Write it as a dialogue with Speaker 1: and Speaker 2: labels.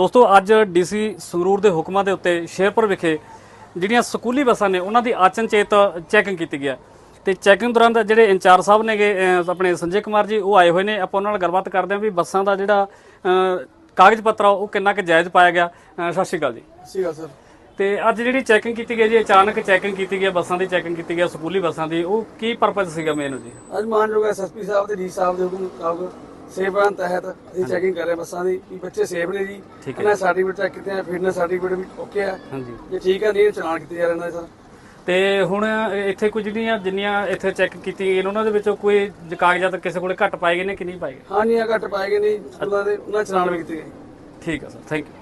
Speaker 1: ਦੋਸਤੋ ਅੱਜ ਡੀਸੀ ਸੰਗਰੂਰ ਦੇ ਹੁਕਮਾਂ ਦੇ ਉੱਤੇ ਸ਼ੇਰਪੁਰ ਵਿਖੇ ਜਿਹੜੀਆਂ ਸਕੂਲੀ ਬੱਸਾਂ ਨੇ ਉਹਨਾਂ ਦੀ ਆਚਨਚੇਤ ਚੈਕਿੰਗ ਕੀਤੀ ਗਿਆ ਤੇ ਚੈਕਿੰਗ ਦੌਰਾਨ ਦਾ ਜਿਹੜੇ ਇੰਚਾਰਜ ਸਾਹਿਬ ਨੇਗੇ ਆਪਣੇ ਸੰਜੇ ਕੁਮਾਰ ਜੀ ਉਹ ਆਏ ਹੋਏ ਨੇ। ਆਪਾਂ ਉਹਨਾਂ ਨਾਲ ਗੱਲਬਾਤ ਕਰਦੇ ਹਾਂ ਵੀ ਬੱਸਾਂ ਦਾ ਜਿਹੜਾ ਕਾਗਜ਼ ਪੱਤਰ ਉਹ ਕਿੰਨਾ ਕੁ ਜਾਇਜ਼ ਪਾਇਆ ਗਿਆ। ਸਤਿ ਸ਼੍ਰੀ ਅਕਾਲ ਜੀ।
Speaker 2: ਸਤਿ ਸ਼੍ਰੀ ਅਕਾਲ ਸਰ।
Speaker 1: ਤੇ ਅੱਜ ਜਿਹੜੀ ਚੈਕਿੰਗ ਕੀਤੀ ਗਈ ਜੀ, ਅਚਾਨਕ ਚੈਕਿੰਗ ਕੀਤੀ ਗਈ ਬੱਸਾਂ ਦੀ, ਚੈਕਿੰਗ ਕੀਤੀ ਗਈ ਸਕੂਲੀ ਬੱਸਾਂ ਦੀ, ਉਹ ਕੀ ਪਰਪਸ ਸੀਗਾ ਮੇਨ ਜੀ?
Speaker 2: ਅੱਜ ਮਾਨਯੋਗ ਐਸਐਸਪੀ ਸਾਹਿਬ ਤੇ ਡੀ ਸਾਹਿਬ ਦੇ ਹੁਕਮ ਮੁਤਾਬਕ ਸੇਫ ਤਹਿਤ ਅਸੀਂ ਚੈਕਿੰਗ ਕਰ ਰਹੇ ਬੱਸਾਂ ਦੀ ਵੀ ਬੱਚੇ ਸੇਫ ਨੇ ਜੀ। ਇਹਨਾਂ ਸਰਟੀਫਿਕੇਟ ਚੈੱਕ ਕੀਤੇ ਆ, ਫਿਟਨੈਸ ਸਰਟੀਫਿਕੇਟ ਵੀ ਓਕੇ ਆ। ਹਾਂਜੀ, ਜੇ ਠੀਕ ਆ ਨਹੀਂ ਚਲਾਨ ਕੀਤੇ ਜਾ ਰਹੇ ਨੇ ਸਰ।
Speaker 1: ਤੇ ਹੁਣ ਇੱਥੇ ਕੁਝ ਜਿੰਨੀਆਂ ਇੱਥੇ ਚੈੱਕ ਕੀਤੀ ਗਈਆਂ ਉਹਨਾਂ ਦੇ ਵਿੱਚੋਂ ਕੋਈ ਕਾਗਜ਼ਾਤ ਕਿਸੇ ਕੋਲੇ ਘੱਟ ਪਾਏ ਗਏ ਨੇ ਕਿ ਨਹੀਂ ਪਾਏ ਗਏ?
Speaker 2: ਹਾਂਜੀ, ਘੱਟ ਪਾਏ ਗਏ ਨਹੀਂ, ਸਕੂਲਾਂ ਦੇ ਉਹਨਾਂ ਚਲਾਨ ਵੀ ਕੀਤੇ ਗਏ।
Speaker 1: ਠੀਕ ਹੈ ਸਰ, ਥੈਂਕ ਯੂ।